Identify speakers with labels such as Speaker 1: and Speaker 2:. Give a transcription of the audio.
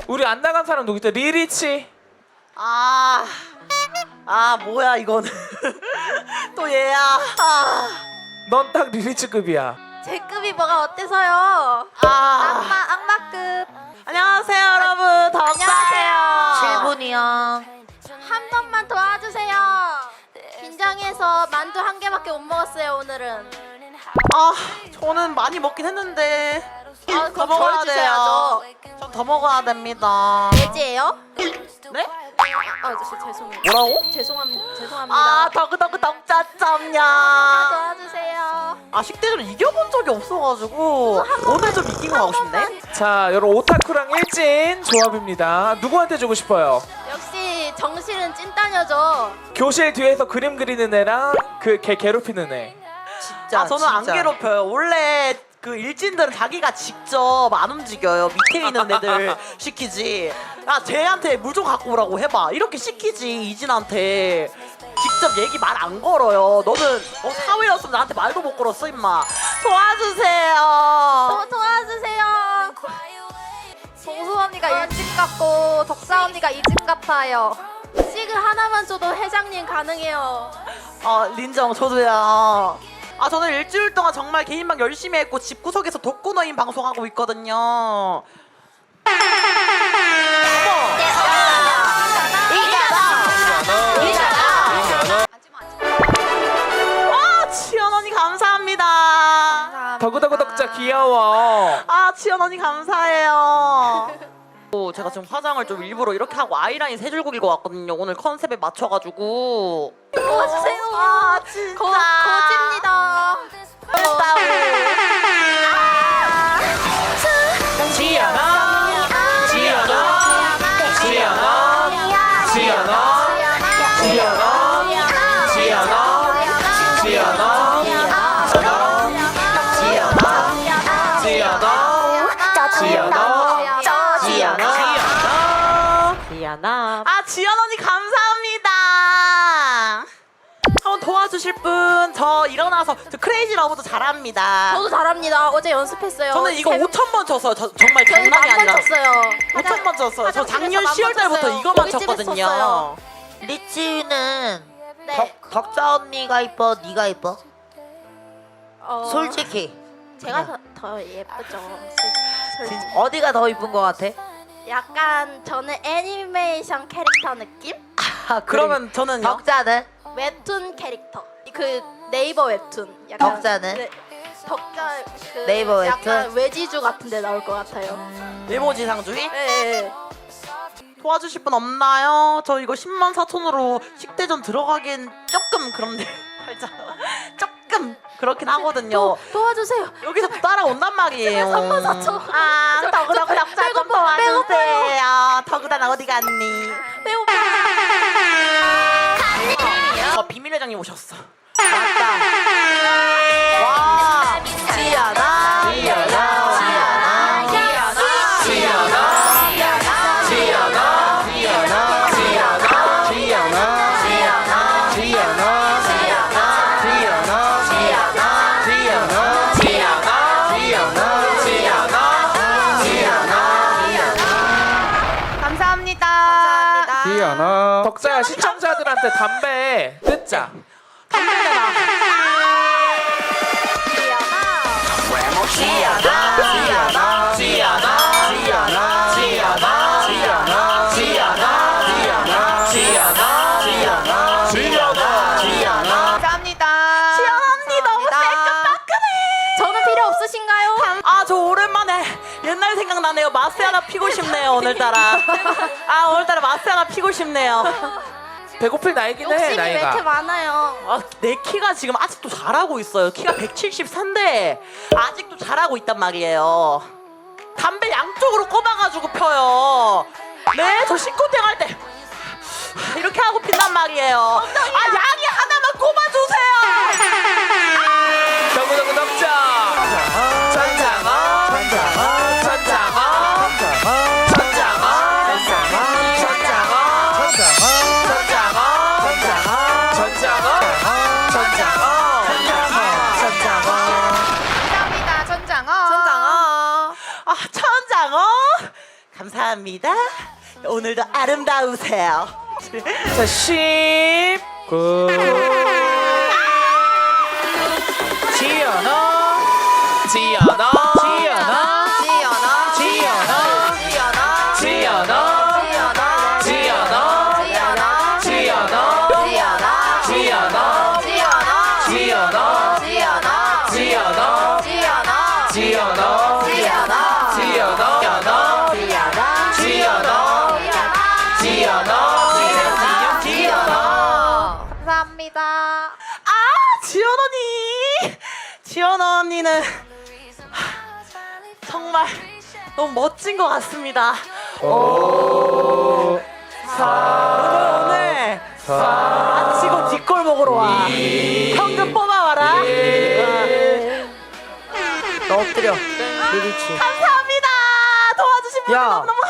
Speaker 1: 우리 안 나간 사람 누구 있다? 리리치.
Speaker 2: 뭐야 이거는. 또 얘야.
Speaker 1: 넌 딱 리리치급이야.
Speaker 3: 제 급이 뭐가 어때서요? 악마급.
Speaker 2: 안녕하세요 여러분. 덕자예요.
Speaker 3: 7분이요. 한 번만 도와주세요. 긴장해서 만두 한 개밖에 못 먹었어요 오늘은.
Speaker 2: 저는 많이 먹긴 했는데 더
Speaker 3: 그럼
Speaker 2: 먹어야
Speaker 3: 절
Speaker 2: 돼요.
Speaker 3: 주셔야죠.
Speaker 2: 전 더 먹어야 됩니다.
Speaker 3: 돼지예요?
Speaker 2: 네?
Speaker 3: 아저씨 죄송해요.
Speaker 2: 뭐라고?
Speaker 3: 죄송합니다.
Speaker 2: 더그더그 덕자점냐.
Speaker 3: 도와주세요.
Speaker 2: 식대전 이겨본 적이 없어가지고 오늘 좀 이긴 거 하고 싶네.
Speaker 1: 자, 여러분 오타쿠랑 일진 조합입니다. 누구한테 주고 싶어요?
Speaker 3: 역시 정실은 찐따녀죠.
Speaker 1: 교실 뒤에서 그림 그리는 애랑 그 걔 괴롭히는 애.
Speaker 2: 진짜 저는 안 괴롭혀요. 원래 그 일진들은 자기가 직접 안 움직여요. 밑에 있는 애들 시키지. 쟤한테 물 좀 갖고 오라고 해봐. 이렇게 시키지. 이진한테 직접 얘기 말 안 걸어요. 너는 사회였으면 나한테 말도 못 걸었어 임마. 도와주세요.
Speaker 3: 도와주세요. 봉수 언니가 일진 같고 덕사 언니가 이진 같아요. 시글 하나만 줘도 회장님 가능해요.
Speaker 2: 린정 저도요. 저는 일주일 동안 정말 개인방 열심히 했고 집구석에서 독고노인 방송하고 있거든요. 지연 언니 감사합니다.
Speaker 1: 더그더그 덕자 귀여워.
Speaker 2: 지연 언니 감사해요. 제가 지금 화장을 좀 일부러 이렇게 하고 아이라인 세 줄 그리고 왔거든요. 오늘 컨셉에 맞춰가지고.
Speaker 3: 도와주세요.
Speaker 2: 진짜.
Speaker 3: 거짓입니다.
Speaker 1: 지연아, 지연아, 지연아, 지연아, 지연아, 지연아,
Speaker 2: 지연아. 지연 언니 감사합니다. 한번 도와주실 분? 저 일어나서 저 크레이지 러브도 잘합니다.
Speaker 3: 저도 잘합니다. 어제 연습했어요.
Speaker 2: 저는 이거 5,000번 쳤어요. 정말
Speaker 3: 저희
Speaker 2: 장난이
Speaker 3: 만번
Speaker 2: 아니라.
Speaker 3: 쳤어요.
Speaker 2: 5,000번 쳤어요. 저 작년
Speaker 3: 화장실에서
Speaker 2: 10월 달부터
Speaker 3: 쳤어요.
Speaker 2: 이거만
Speaker 3: 우리 집에서
Speaker 2: 쳤거든요.
Speaker 3: 쳤어요.
Speaker 4: 리치는
Speaker 3: 네.
Speaker 4: 덕자 언니가 이뻐, 네가 이뻐? 솔직히
Speaker 3: 제가 더 예쁘죠. 솔직히.
Speaker 4: 어디가 더 이쁜 것 같아?
Speaker 3: 약간 저는 애니메이션 캐릭터 느낌?
Speaker 2: 그러면 저는요?
Speaker 4: 덕자는?
Speaker 3: 웹툰 캐릭터. 그 네이버 웹툰. 약간
Speaker 4: 덕자는?
Speaker 3: 네, 덕자 그
Speaker 4: 네이버 웹툰?
Speaker 3: 약간 외지주 같은데 나올 것 같아요.
Speaker 2: 일모지상주의?
Speaker 3: 네.
Speaker 2: 도와주실 분 없나요? 저 이거 10만 4천으로 식대전 들어가긴 조금 그런데 살짝 조금 그렇긴 하거든요.
Speaker 3: 도와주세요.
Speaker 2: 여기서 또 따라온단 말이에요.
Speaker 3: 34,000.
Speaker 2: 더그더그 덕자 좀 도와주세요. 더그다나 어디 갔니? 비밀 회장님 오셨어. 맞다. 와, 지연아, 지연아, 지연아, 지연아, 지연아, 지연아, 지연아, 지연아, 지연아, 지연아, 지연아, 감사합니다.
Speaker 1: 지연아. 덕자야 시청자들한테 담배 뜯자.
Speaker 2: 감사합니다. 지연 언니 너무 새끈따끈해.
Speaker 3: 저는 필요 없으신가요?
Speaker 2: 저 오랜만에 옛날 생각나네요. 마스 하나 피고 싶네요 오늘따라. 오늘따라 마스 하나 피고 싶네요.
Speaker 1: 배고플 나이긴 해
Speaker 3: 욕심이 왜 이렇게
Speaker 1: 나이가.
Speaker 3: 많아요?
Speaker 2: 내 키가 지금 아직도 자라고 있어요. 키가 174인데 아직도 자라고 있단 말이에요. 담배 양쪽으로 꼽아가지고 펴요. 네, 저 신고땡 할 때 이렇게 하고 핀단 말이에요. 양이 하나만 꼽아주세요.
Speaker 1: 더그더그 덕자. 천장아, 천장아, 천장아, 천장아, 천장아, 감사합니다. 천장어.
Speaker 2: 감사합니다. 오늘도 아름다우세요.
Speaker 1: 자, 10, 9. 지연아, 지연아, 지연아,
Speaker 3: 지연아
Speaker 1: 지연아,
Speaker 3: 지연아
Speaker 1: 지연아,
Speaker 3: 지연아
Speaker 1: 지연아,
Speaker 3: 지연아
Speaker 1: 지연아,
Speaker 3: 지연아
Speaker 1: 지연아,
Speaker 3: 지연아
Speaker 1: 지연아,
Speaker 3: 지연아
Speaker 1: 지연아,
Speaker 3: 지연아
Speaker 1: 지연아,
Speaker 3: 지연아
Speaker 1: 지연아, 지연아, 지연아, 지연아.
Speaker 3: 감사합니다.
Speaker 2: 지연 언니! 지연 언니는 정말 너무 멋진 것 같습니다.
Speaker 1: 오,
Speaker 2: 오늘 마치고 뒷골 먹으러 와. 현금 뽑아와라. 너 엎드려. 리리치. 감사합니다. 도와주신 분들
Speaker 5: 야.
Speaker 2: 너무너무